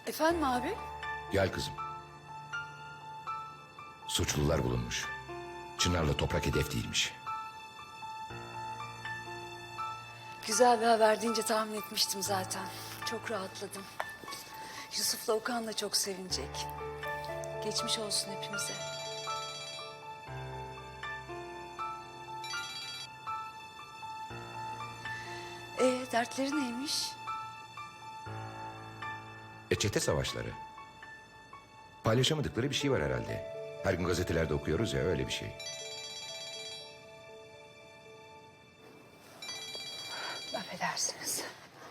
Efendim abi? Gel kızım. Suçlular bulunmuş. Çınar'la Toprak hedef değilmiş. Güzel bir haber deyince tahmin etmiştim zaten. Çok rahatladım. Yusuf'la Okan da çok sevinecek. Geçmiş olsun hepimize. Dertleri neymiş? Çete savaşları. Paylaşamadıkları bir şey var herhalde. Her gün gazetelerde okuyoruz ya, öyle bir şey. Affedersiniz.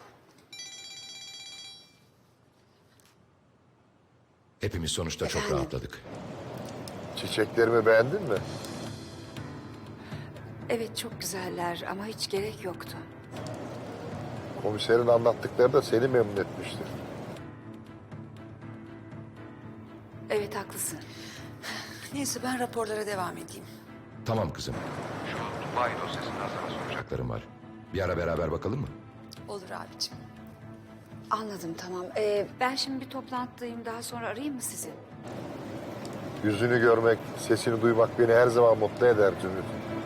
Hepimiz sonuçta çok Efendim? rahatladık. Çiçeklerimi beğendin mi? Evet çok güzeller ama hiç gerek yoktu. Komiserin anlattıkları da seni memnun etmiştir. Evet haklısın. Neyse ben raporlara devam edeyim. Tamam kızım. Şu Dubai dosyasından sana soracaklarım var. Bir ara beraber bakalım mı? Olur abicim. Anladım tamam. Ben şimdi bir toplantıdayım. Daha sonra arayayım mı sizi? Yüzünü görmek, sesini duymak beni her zaman mutlu eder Zümrüt.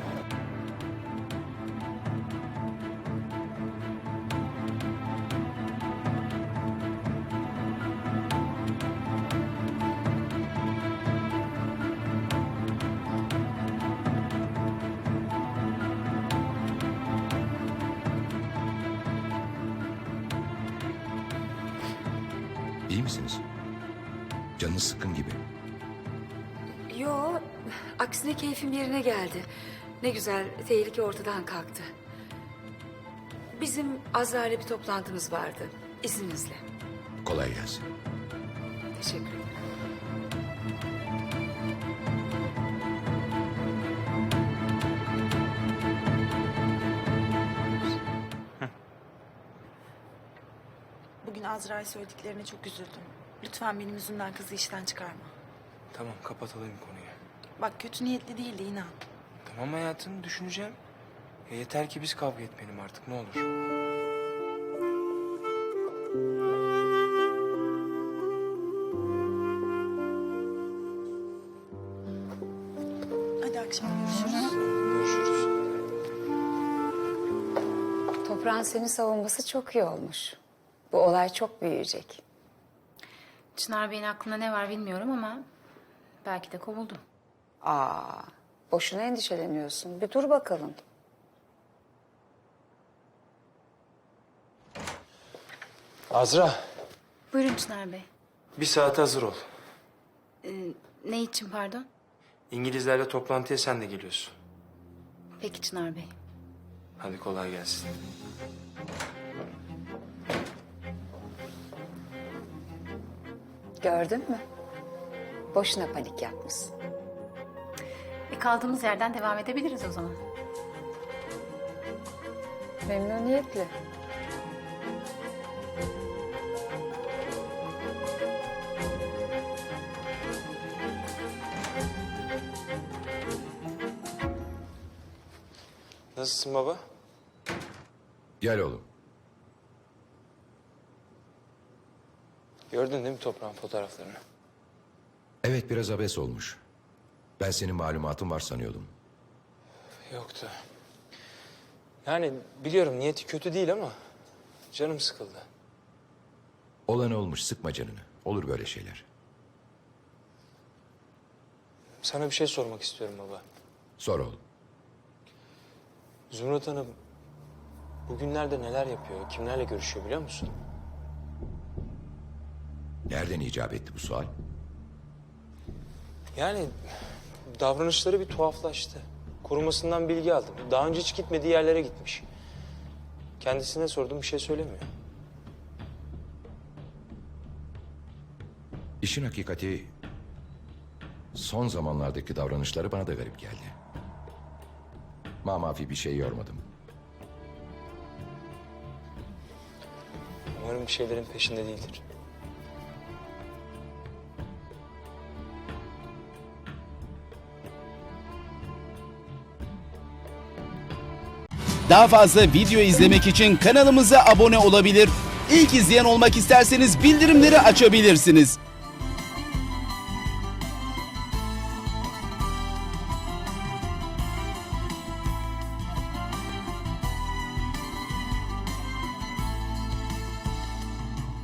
İyi misiniz? Canınız sıkkın gibi. Yo, aksine keyfim yerine geldi. Ne güzel, tehlike ortadan kalktı. Bizim Azra ile bir toplantımız vardı. İzninizle. Kolay gelsin. Teşekkür ederim. Bugün Azra'ya söylediklerine çok üzüldüm. Lütfen benim yüzümden kızı işten çıkarma. Tamam, kapatalım konuyu. Bak kötü niyetli değildi inan. Tamam hayatım, düşüneceğim. Yeter ki biz kavga etmeyelim artık, ne olur. Hadi akşam görüşürüz. Görüşürüz. Toprağın seni savunması çok iyi olmuş. Bu olay çok büyüyecek. Çınar Bey'in aklında ne var bilmiyorum ama belki de kovuldu. Boşuna endişeleniyorsun. Bir dur bakalım. Azra, Buyurun Çınar Bey. bir saate hazır ol. Ne için pardon? İngilizlerle toplantıya sen de geliyorsun. Peki Çınar Bey. Hadi kolay gelsin. Gördün mü? Boşuna panik yapmışsın. Kaldığımız yerden devam edebiliriz o zaman. Memnuniyetle. Nasılsın baba? Gel oğlum. Gördün değil mi toprağın fotoğraflarını? Evet, biraz abes olmuş. Ben senin malumatın var sanıyordum. Yoktu. Yani biliyorum niyeti kötü değil ama canım sıkıldı. Olan olmuş, sıkma canını. Olur böyle şeyler. Sana bir şey sormak istiyorum baba. Sor oğlum. Zümrüt Hanım bugünlerde neler yapıyor, kimlerle görüşüyor biliyor musun? Nereden icap etti bu sual? Yani davranışları bir tuhaflaştı. Korumasından bilgi aldım. Daha önce hiç gitmediği yerlere gitmiş. Kendisine sordum, bir şey söylemiyor. İşin hakikati, son zamanlardaki davranışları bana da garip geldi. Mamafi bir şey yormadım. Umarım bir şeylerin peşinde değildir. Daha fazla video izlemek için kanalımıza abone olabilir. İlk izleyen olmak isterseniz bildirimleri açabilirsiniz.